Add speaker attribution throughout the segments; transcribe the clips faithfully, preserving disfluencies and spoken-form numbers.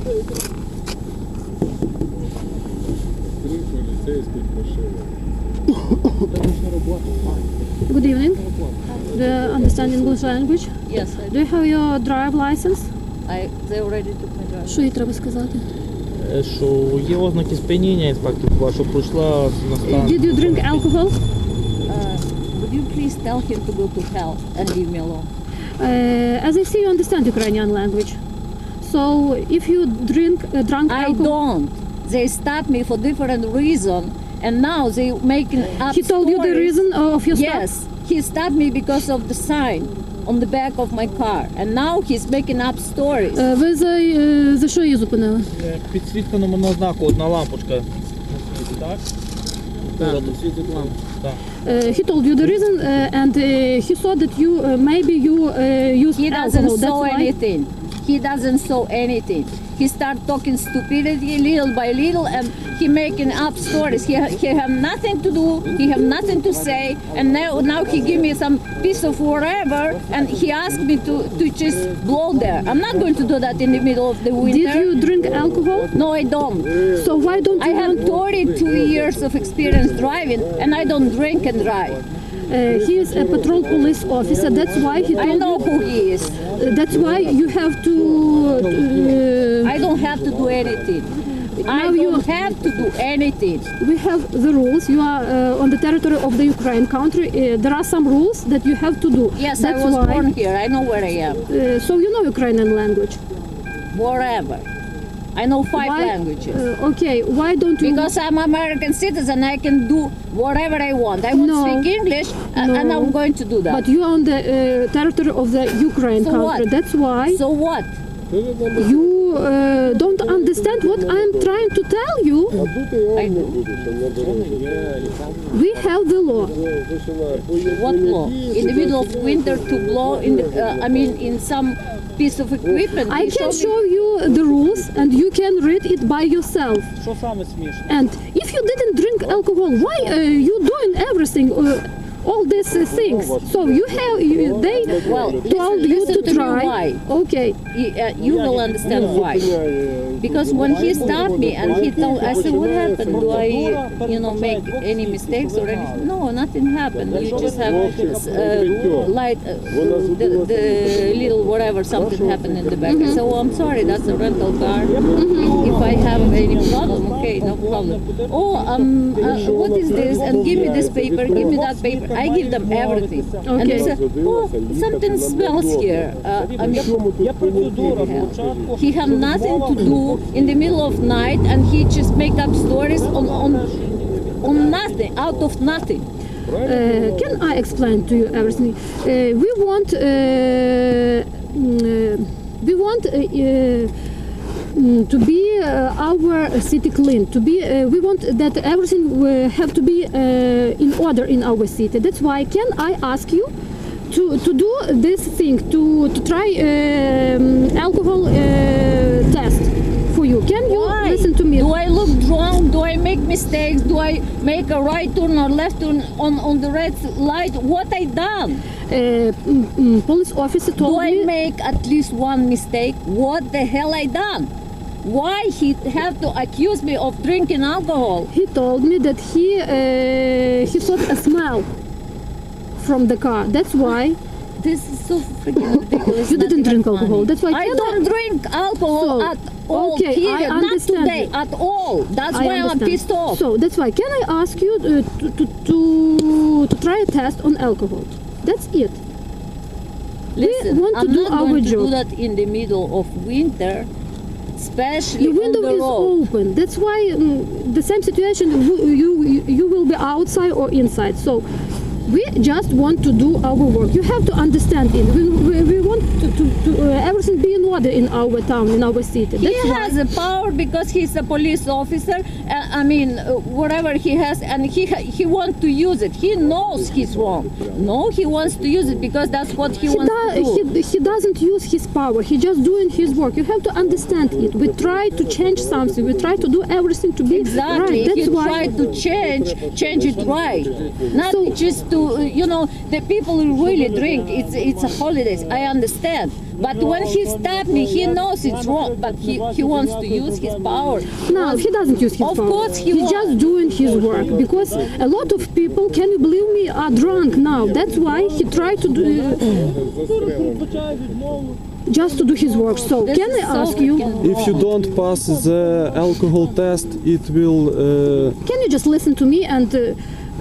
Speaker 1: Три поліцейських машини.
Speaker 2: Good evening. Do you understand English language?
Speaker 3: Yes, I,
Speaker 2: Do you have your drive license?
Speaker 3: I they already took my driver's.
Speaker 2: Що їй треба сказати?
Speaker 4: Е, Що є ознаки сп'яніння, інспектор, що пройшла на стан.
Speaker 2: Did you drink alcohol?
Speaker 3: Uh, would you please tell him to go to hell and leave me alone?
Speaker 2: Uh, as I see, you understand Ukrainian language. So if you drink uh, drunk
Speaker 3: I
Speaker 2: alcohol,
Speaker 3: don't. They stopped me for different reason, and now they making up
Speaker 2: he told you the
Speaker 3: stories.
Speaker 2: reason of your stop?
Speaker 3: Yes, he stopped me because of the sign on the back of my car, and now he's making up stories.
Speaker 2: Е, Ви за, е, за що її зупинили?
Speaker 4: Е, Підсвітка номерного знаку, одна лампочка. Так?
Speaker 1: Так, світить лампу.
Speaker 4: Так.
Speaker 2: Uh, he told you the reason, uh, and uh, he saw that you uh, maybe you uh, used
Speaker 3: He doesn't
Speaker 2: alcohol. That's
Speaker 3: saw
Speaker 2: why.
Speaker 3: anything. He doesn't saw anything. He start talking stupidity little by little, and he making up stories. He he have nothing to do. He have nothing to say, and now now he give me some piece of whatever, and he asked me to to just blow there. I'm not going to do that in the middle of the winter.
Speaker 2: Did you drink alcohol?
Speaker 3: No, I don't.
Speaker 2: So why don't
Speaker 3: I
Speaker 2: you
Speaker 3: have
Speaker 2: want?
Speaker 3: thirty-two years of experience driving, and I don't drink and drive.
Speaker 2: Uh, he is a patrol police officer. That's why he
Speaker 3: I
Speaker 2: told
Speaker 3: know
Speaker 2: you.
Speaker 3: who he is.
Speaker 2: Uh, that's why you have to. Uh,
Speaker 3: I don't have to do anything. I
Speaker 2: Now you-
Speaker 3: don't have to do anything.
Speaker 2: we have the rules. You are uh, on the territory of the Ukraine country. Uh, there are some rules that you have to do.
Speaker 3: Yes,
Speaker 2: That's
Speaker 3: I was
Speaker 2: why.
Speaker 3: born here. I know where I am.
Speaker 2: Uh, so you know Ukrainian language.
Speaker 3: Wherever. I know five
Speaker 2: Why-
Speaker 3: languages.
Speaker 2: Uh, okay. Why don't you?
Speaker 3: Because I'm American citizen, I can do whatever I want. I want
Speaker 2: No.
Speaker 3: to speak English, uh,
Speaker 2: No.
Speaker 3: and I'm going to do that.
Speaker 2: But you are on the uh, territory of the Ukraine
Speaker 3: So
Speaker 2: country.
Speaker 3: what?
Speaker 2: That's why
Speaker 3: So what?
Speaker 2: you uh, don't understand what I'm trying to tell you.
Speaker 1: А тут я вам не буду, що на дорозі.
Speaker 2: We have the law.
Speaker 3: What law? In the middle of winter to blow in the, uh, I mean, in some piece of equipment.
Speaker 2: I
Speaker 3: They
Speaker 2: can
Speaker 3: me-
Speaker 2: show you the rules and you can read it by yourself.
Speaker 4: Що саме смішно?
Speaker 2: And if you didn't drink alcohol, why uh, you doing everything? Uh, all these uh, things. So you have you, they
Speaker 3: Well,
Speaker 2: told
Speaker 3: listen-
Speaker 2: you
Speaker 3: listen
Speaker 2: to
Speaker 3: to me
Speaker 2: try.
Speaker 3: why.
Speaker 2: Okay.
Speaker 3: You, uh, you will understand why. Because when he stopped me and he told, I said, what happened? Do I, you know, make any mistakes or anything? No, nothing happened. You just have uh, light, uh, the, the little whatever, something happened in the back. I said, oh, I'm sorry, that's a rental car. If I have any problem, okay, no problem. Oh, um, uh, what is this? And give me this paper, give me that paper. I give them everything. And they
Speaker 2: Okay.
Speaker 3: said, oh, something smells here. Uh, I mean,
Speaker 4: Є процедура спочатку.
Speaker 3: he have nothing to do in the middle of night, and he just make up stories on on on nothing, out of nothing.
Speaker 2: Uh, can I explain to you everything? Uh, we want uh, mm, we want uh, uh, mm, to be uh, our city clean. To be uh, we want that everything will have to be uh, in order in our city. That's why can I ask you to to do this thing to to try um, alcohol uh, test for you? Can you
Speaker 3: Why?
Speaker 2: listen to me?
Speaker 3: Do I look drunk? Do I make mistakes? Do I make a right turn or left turn on on the red light? What I done?
Speaker 2: Uh, mm, mm, police officer told
Speaker 3: Do I
Speaker 2: me.
Speaker 3: make at least one mistake? What the hell I done? Why he have to accuse me of drinking alcohol?
Speaker 2: He told me that he uh, he saw a smell from the car. That's why
Speaker 3: This is so freaking ridiculous.
Speaker 2: you didn't
Speaker 3: not
Speaker 2: drink
Speaker 3: even
Speaker 2: alcohol.
Speaker 3: funny.
Speaker 2: That's why
Speaker 3: I
Speaker 2: can
Speaker 3: don't drink alcohol
Speaker 2: So,
Speaker 3: at all.
Speaker 2: okay, I
Speaker 3: period. Not
Speaker 2: understand
Speaker 3: today
Speaker 2: you.
Speaker 3: at all. That's
Speaker 2: I
Speaker 3: why I'm
Speaker 2: understand.
Speaker 3: pissed off.
Speaker 2: So that's why can I ask you uh, to, to to to try a test on alcohol? That's it.
Speaker 3: Listen,
Speaker 2: want to
Speaker 3: I'm
Speaker 2: do
Speaker 3: not
Speaker 2: our
Speaker 3: going to
Speaker 2: job.
Speaker 3: do that in the middle of winter, especially
Speaker 2: The window
Speaker 3: on the
Speaker 2: is
Speaker 3: road.
Speaker 2: open. That's why um, the same situation. You, you you will be outside or inside. So we just want to do our work. You have to understand it. We, we, we want to, to, to uh, everything be in order in our town, in our city.
Speaker 3: He
Speaker 2: That's why.
Speaker 3: has a power because he's a police officer. Uh, I mean, uh, whatever he has, and he ha- he wants to use it. He knows he's wrong. No, he wants to use it because that's what he,
Speaker 2: He,
Speaker 3: wants
Speaker 2: do-
Speaker 3: to do.
Speaker 2: he, he doesn't use his power. He just doing his work. You have to understand it. We try to change something. We try to do everything to be
Speaker 3: Exactly.
Speaker 2: right.
Speaker 3: If
Speaker 2: That's
Speaker 3: you
Speaker 2: why.
Speaker 3: try to change, change it right. Not
Speaker 2: So-
Speaker 3: just to, uh, you know, the people who really drink. It's it's a holidays. I understand, But when he stopped me, he knows it's wrong, but he, he wants to use his power.
Speaker 2: No, he doesn't use his
Speaker 3: Of
Speaker 2: power.
Speaker 3: course he
Speaker 2: He's
Speaker 3: won't.
Speaker 2: just doing his work because a lot of people, can you believe me, are drunk now. That's why he tried to do, just to do his work. So
Speaker 3: This
Speaker 2: can I
Speaker 3: is so
Speaker 2: ask you,
Speaker 3: freaking
Speaker 5: If you
Speaker 3: wrong.
Speaker 5: don't pass the alcohol test, it will. Uh,
Speaker 2: can you just listen to me and uh,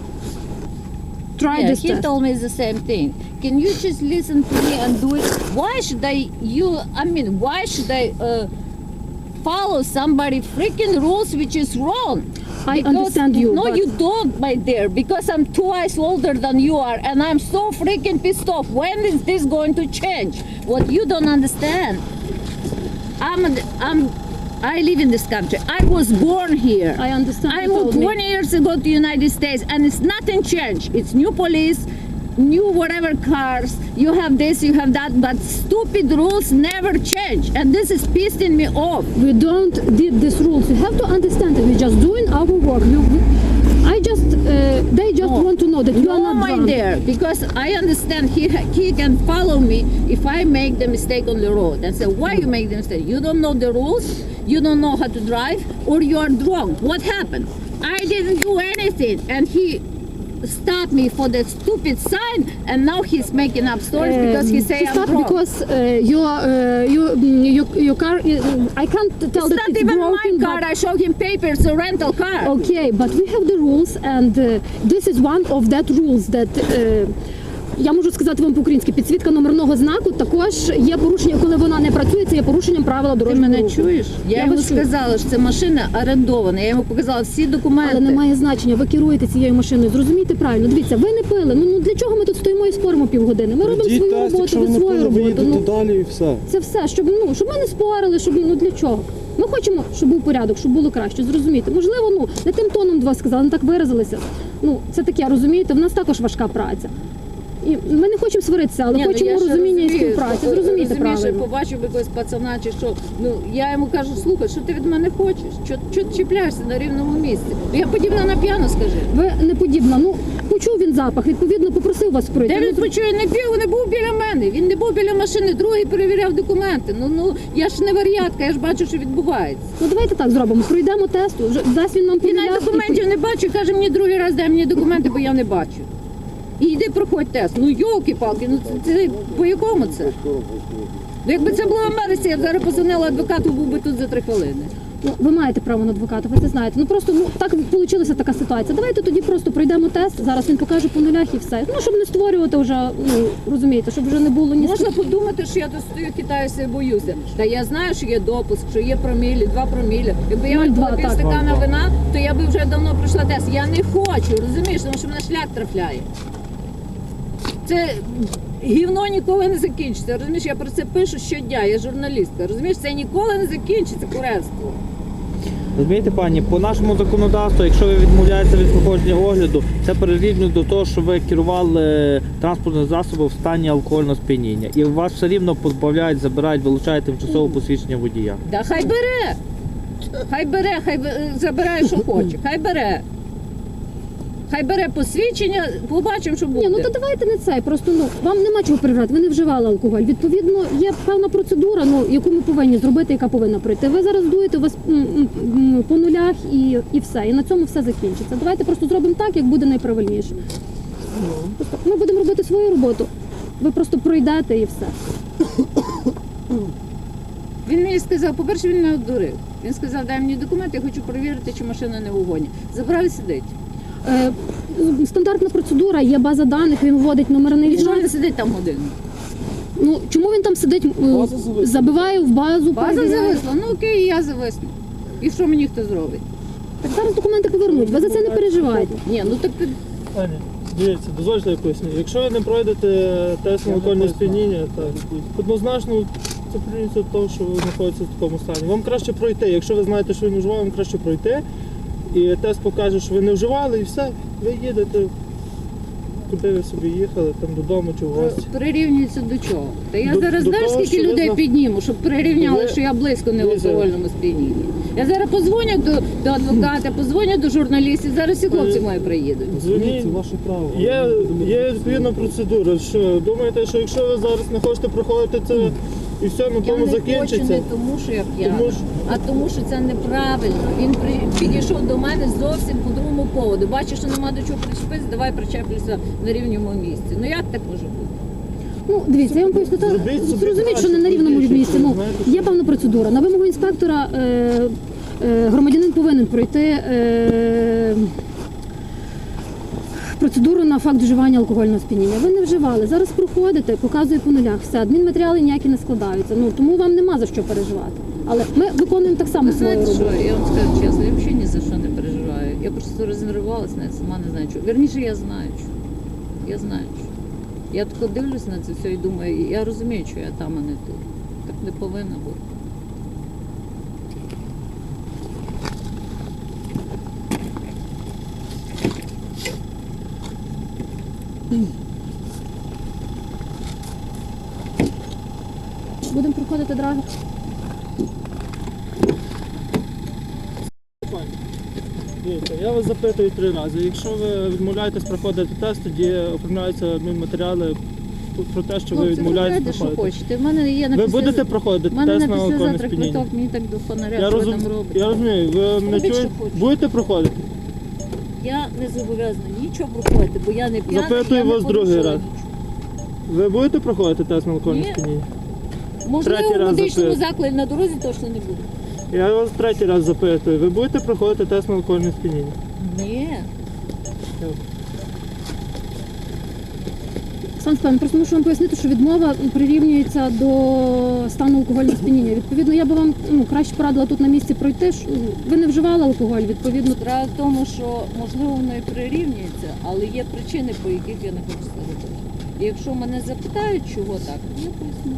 Speaker 2: try
Speaker 3: Yeah,
Speaker 2: this
Speaker 3: he
Speaker 2: test?
Speaker 3: told me the same thing. Can you just listen to me and do it? Why should I? You, I mean, why should I uh, follow somebody freaking rules which is wrong?
Speaker 2: I understand you,
Speaker 3: No,
Speaker 2: but-
Speaker 3: you don't, my dear, because I'm twice older than you are, and I'm so freaking pissed off. When is this going to change? What you don't understand? I'm, I'm, I live in this country. I was born here.
Speaker 2: I understand.
Speaker 3: I
Speaker 2: you told
Speaker 3: moved
Speaker 2: me.
Speaker 3: twenty years ago to the United States, and it's nothing changed. It's new police, new whatever cars. You have this, you have that, but stupid rules never change, and this is pissing me off.
Speaker 2: We don't did these rules. You have to understand that we're just doing our work. We, we, I just, uh, they just
Speaker 3: No.
Speaker 2: want to know that you are
Speaker 3: No,
Speaker 2: not
Speaker 3: my
Speaker 2: drunk.
Speaker 3: dear, because I understand he he can follow me if I make the mistake on the road and say, why you make the mistake? You don't know the rules, you don't know how to drive, or you are drunk. What happened? I didn't do anything, and he stopped me for that stupid sign, and now he's making up stories because he say
Speaker 2: He
Speaker 3: I'm
Speaker 2: stopped
Speaker 3: drunk.
Speaker 2: because uh, your, uh, your, mm, your, your car, is, I can't tell
Speaker 3: It's
Speaker 2: that
Speaker 3: not
Speaker 2: it's
Speaker 3: even
Speaker 2: broken,
Speaker 3: my car.
Speaker 2: but-
Speaker 3: I showed him papers, a rental car.
Speaker 2: Okay, but we have the rules, and uh, this is one of that rules that uh, я можу сказати вам по-українськи, підсвітка номерного знаку також є порушення, коли вона не працює, це є порушенням правила
Speaker 3: Ти
Speaker 2: дорожнього
Speaker 3: мене
Speaker 2: руху.
Speaker 3: чуєш? Я,
Speaker 2: Я
Speaker 3: йому
Speaker 2: вас чую.
Speaker 3: сказала, що це машина орендована. Я йому показала всі документи.
Speaker 2: Але немає значення, ви керуєте цією машиною. Зрозумійте правильно. Дивіться, ви не пили. Ну, ну для чого ми тут стоїмо і споримо півгодини? Ми робимо
Speaker 5: Йдіть
Speaker 2: свою
Speaker 5: тест,
Speaker 2: роботу,
Speaker 5: якщо
Speaker 2: ви
Speaker 5: ви не
Speaker 2: свою
Speaker 5: пили, ви
Speaker 2: роботу.
Speaker 5: їдете
Speaker 2: Ну,
Speaker 5: далі і все.
Speaker 2: це все, щоб ну щоб ми не спорили, щоб ну для чого? Ми хочемо, щоб був порядок, щоб було краще. Зрозуміти. Можливо, ну не тим тоном два сказали, не так виразилися. Ну це таке, розумієте? В нас також важка праця. І ми не хочемо сваритися, але
Speaker 3: Ні, ну,
Speaker 2: хочемо
Speaker 3: я ще
Speaker 2: розуміння і
Speaker 3: розумію,
Speaker 2: співпраці.
Speaker 3: що-
Speaker 2: Зрозумійте
Speaker 3: розумієш,
Speaker 2: правильно.
Speaker 3: я побачив якогось пацана чи що. Ну я йому кажу, слухай, що ти від мене хочеш? Що, що ти чіпляєшся на рівному місці? Ну, я подібна на п'яну, скажи.
Speaker 2: Ви не подібна. Ну почув він запах, відповідно попросив вас пройти.
Speaker 3: Де він
Speaker 2: Ну,
Speaker 3: почує, не пів, не був біля мене. Він не був біля машини, другий перевіряв документи. Ну ну я ж не варіатка, я ж бачу, що відбувається.
Speaker 2: Ну давайте так зробимо. Пройдемо тест, вже дасть він нам
Speaker 3: Він навіть
Speaker 2: повідомляв, і-
Speaker 3: документів не бачу, каже мені другий раз, дай мені документи, бо я не бачу. І йди проходь тест. Ну йолки-палки, ну це, це по якому це? Ну, якби це було в Америці, я б зараз позвонила адвокату, був би тут за три хвилини.
Speaker 2: Ну, ви маєте право на адвоката, ви це знаєте. Ну просто ну так вийшла така ситуація. Давайте тоді просто пройдемо тест. Зараз він покаже по нулях і все. Ну щоб не створювати вже, ну розумієте, щоб вже не було ні
Speaker 3: Можна подумати, що я тут стою, хитаюся і боюся. Та я знаю, що є допуск, що є промілі, два промілі. Якби я
Speaker 2: Нуль два,
Speaker 3: випила пів
Speaker 2: так.
Speaker 3: стакана вина, то я би вже давно пройшла тест. Я не хочу, розумієш, тому що мене шлях трафляє. Це гівно ніколи не закінчиться. Розумієш, я про це пишу щодня, я журналістка. Розумієш, це ніколи не закінчиться, куренство.
Speaker 4: Розумієте, пані, по нашому законодавству, якщо ви відмовляєтеся від проходження огляду, це прирівнює до того, що ви керували транспортним засобом в стані алкогольного сп'яніння. І вас все рівно позбавляють, забирають, вилучають тимчасове посвідчення водія.
Speaker 3: Да хай бере. Хай бере, хай бе- забирає, що хоче. Хай бере. Хай бере посвідчення, побачимо, що буде.
Speaker 2: Ні, ну то давайте не цей. Просто ну вам нема чого перевіряти. Ви не вживали алкоголь. Відповідно, є певна процедура, ну яку ми повинні зробити, яка повинна пройти. Ви зараз дуєте у вас м, м, м, по нулях і, і все. І на цьому все закінчиться. Давайте просто зробимо так, як буде найправильніше. Просто ми будемо робити свою роботу. Ви просто пройдете і все.
Speaker 3: Він мені сказав, по-перше, він не одурив. Він сказав, дай мені документи, я хочу перевірити, чи машина не в угоні. Забрав і сидить.
Speaker 2: Е, стандартна процедура, є база даних, він вводить номерний
Speaker 3: І що
Speaker 2: знак.
Speaker 3: він сидить там годину?
Speaker 2: Ну чому він там сидить? е,
Speaker 5: База зависла.
Speaker 2: Забиває в базу,
Speaker 3: База
Speaker 2: перевіряє.
Speaker 3: зависла. Ну окей, я зависну. І що мені хто зробить?
Speaker 2: Так зараз документи повернуть. Ви за це не переживайте.
Speaker 3: Ні, ну так ти-
Speaker 6: Аня, дивіться, дозвольте я поясню. Якщо ви не пройдете тест на алкогольне сп'яніння, так, однозначно це прирівнюється до того, що ви знаходитеся в такому стані. Вам краще пройти. Якщо ви знаєте, що ви не вживали, вам краще пройти. І тест покаже, що ви не вживали, і все, ви їдете, куди ви собі їхали, там додому чи в гості.
Speaker 3: прирівнюється до чого? Та я
Speaker 6: До-
Speaker 3: зараз
Speaker 6: до
Speaker 3: знаєш,
Speaker 6: того,
Speaker 3: скільки
Speaker 6: що ви
Speaker 3: людей
Speaker 6: зна-
Speaker 3: підніму, щоб прирівняли,
Speaker 6: Ви-
Speaker 3: що я близько не в
Speaker 6: Дивіться.
Speaker 3: алкогольному сп'янінні. Я зараз позвоню до, до адвоката, позвоню до журналістів, зараз всі хлопці
Speaker 6: Е,
Speaker 3: мої приїдуть.
Speaker 6: Дзвоніть,
Speaker 5: Це ваше право.
Speaker 6: Є, є відповідна процедура. Що думаєте, що якщо ви зараз не хочете проходити це і все на
Speaker 3: Я
Speaker 6: тому
Speaker 3: не хочу
Speaker 6: закінчиться.
Speaker 3: не тому, що я п'яна,
Speaker 6: Тому що-
Speaker 3: а тому, що це неправильно. Він при... підійшов до мене зовсім по другому поводу. Бачиш, що нема до чого причепитися, давай причеплюся на рівному місці. Ну як так може бути?
Speaker 2: Ну, дивіться, я вам поясню, та
Speaker 6: Зробіть собі
Speaker 2: зрозуміть, що не на
Speaker 6: краще,
Speaker 2: рівному
Speaker 6: більше,
Speaker 2: місці. Ну,
Speaker 6: знаєте,
Speaker 2: є певна процедура. На вимогу інспектора е, е, громадянин повинен пройти е, процедуру на факт вживання алкогольного сп'яніння. Ви не вживали, зараз проходите, показує по нулях, все, адмінматеріали ніякі не складаються. Ну, тому вам нема за що переживати. Але ми виконуємо так само
Speaker 3: Ви
Speaker 2: свою
Speaker 3: знаєте
Speaker 2: роботу.
Speaker 3: що, я вам скажу чесно, я взагалі ні за що не переживаю. Я просто розінервувалася, навіть сама не знаю чого. Вірніше, я знаю що. Я знаю що. Я тако дивлюсь на це все і думаю, я розумію, що я там, а не тут. Так не повинна бути.
Speaker 2: Будемо проходити драгер.
Speaker 6: Дивіться, я вас запитую три рази. Якщо ви відмовляєтесь проходити тест, тоді оформляються адмінматеріали про те, що ви
Speaker 3: Хлопці,
Speaker 6: відмовляєтесь
Speaker 3: вибирайте, що
Speaker 6: проходити.
Speaker 3: хочете. В мене є на
Speaker 6: Ви
Speaker 3: після-
Speaker 6: будете проходити
Speaker 3: У мене
Speaker 6: тест
Speaker 3: на
Speaker 6: на алкогольне
Speaker 3: післязавтра
Speaker 6: сп'яніння?
Speaker 3: квиток, мені так до фонаря,
Speaker 6: Я,
Speaker 3: що ви
Speaker 6: розум...
Speaker 3: там робите.
Speaker 6: я розумію, ви мене
Speaker 3: Робіть,
Speaker 6: чуєте?
Speaker 3: що хочете.
Speaker 6: Будете проходити?
Speaker 3: Я не зобов'язана нічого проходити, бо я не п'яна,
Speaker 6: Запитую
Speaker 3: я не
Speaker 6: вас другий
Speaker 3: порушила
Speaker 6: раз.
Speaker 3: нічого.
Speaker 6: Ви будете проходити тест на алкогольне
Speaker 3: Ні.
Speaker 6: сп'яніння?
Speaker 3: Можливо,
Speaker 6: Третій
Speaker 3: в
Speaker 6: раз
Speaker 3: медичному
Speaker 6: запитую.
Speaker 3: закладі на дорозі точно не буду.
Speaker 6: Я вас третій раз запитую. Ви будете проходити тест на алкогольне сп'яніння?
Speaker 3: Ні.
Speaker 2: Сан Степан, просто мушу вам пояснити, що відмова прирівнюється до стану алкогольного сп'яніння. Відповідно, я би вам ну, краще порадила тут на місці пройти. що, ну, Ви не вживали алкоголь, відповідно.
Speaker 3: Справа в тому, що можливо воно і прирівнюється, але є причини, по яких я не хочу це робити. І якщо мене запитають, чого так, я поясню.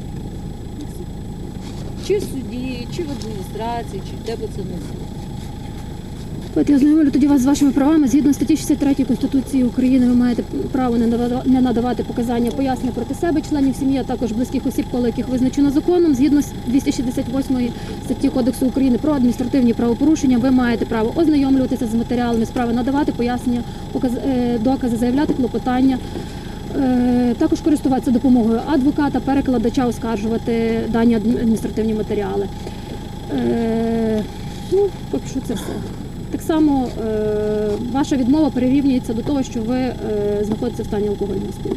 Speaker 3: Чи в суді, чи в адміністрації, чи де би це не було.
Speaker 2: От я знайомлю тоді вас з вашими правами. Згідно статті шістдесят третьої Конституції України ви маєте право не надава- не надавати показання пояснення проти себе, членів сім'ї, а також близьких осіб, коло яких визначено законом. Згідно з двісті шістдесят восьмої статті Кодексу України про адміністративні правопорушення, ви маєте право ознайомлюватися з матеріалами справи, надавати пояснення, показ- е, докази, заявляти клопотання. Е, Також користуватися допомогою адвоката, перекладача, оскаржувати дані адміністративні матеріали. Е, Ну, поки що це все. Так само е, ваша відмова прирівнюється до того, що ви е, знаходитеся в стані алкогольного сп'яніння.